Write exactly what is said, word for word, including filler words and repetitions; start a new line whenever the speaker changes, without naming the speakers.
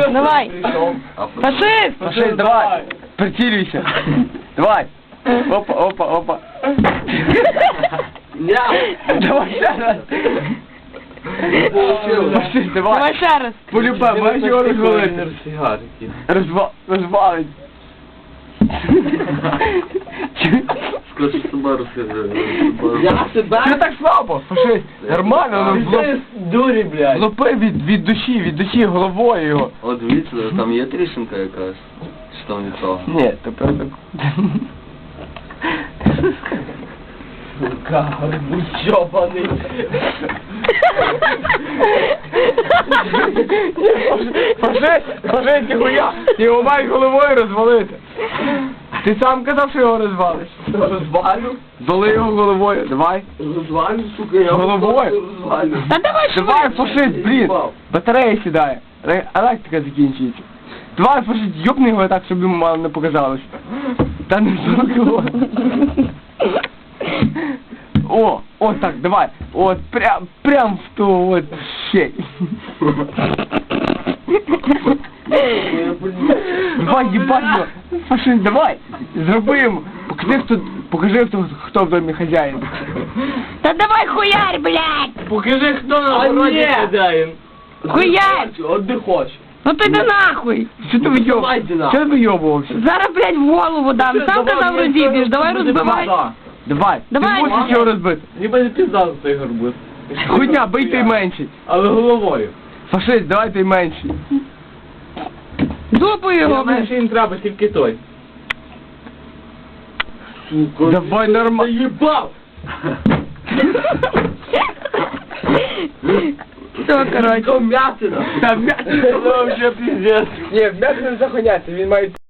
Давай. Фашист!
Фашист, давай. Прицілюйся. Давай. Опа, опа, опа. Давай ще раз. Фашист, давай.
Давай ще раз.
Полюбе, маєш його розвалити. Розва... Розвалить.
Скажи, Субару скажи.
Я себе?
Ти так слабо, фашист. Нормально, ну влоп...
Дурі, блядь.
влопи від, від душі, від душі головою його.
От дивіться, там є тріщинка якась. Чи там від того?
Ні, то просто...
Сука, будь чобаний.
Фашист, фашист, ніхуя, його мають головою розвалити. Ти сам казав, що його розвалиш.
Розвалю?
Доли його головою, давай.
Розвалю, сука, я
Головою?
розвалю.
Та давай
Давай,
швидше.
фашист, блін. Батарея сідає. Ре- Електрика закінчується. Давай, фашист, йобни його так, щоб йому мало не показалось. Та не зробило. О, о, так, давай. От, прям, прям в ту, от, щель. Давай, їбать його. Фашист, давай. Зроби йому. Покажи, хто, покажи, хто, хто в домі хазяїн.
Та давай хуярь, блядь!
Покажи, хто на
А
городі
ні.
хазяїн.
Хуярь!
От де хочеш.
Ну ти йди нахуй!
Що ти вийоб?
Давай, Діна.
Що ти вийобувався?
Зараз, блядь, в голову дам. Сам казав розіб'єш, давай розбивай.
Давай,
Давай.
ти можеш його розбити.
Ніби не пізда за цей горбус.
Хуйня, бий той менший.
Але головою.
Фашист, давай той менший.
Дупу його,
Я знаю,
блядь.
що їм треба, тільки той. Сука.
Давай нормально.
Заїбав!
Все, коротше.
То м'ятина.
Та м'ясо, це вже піздець. Ні, м'ясо не захоняться, він має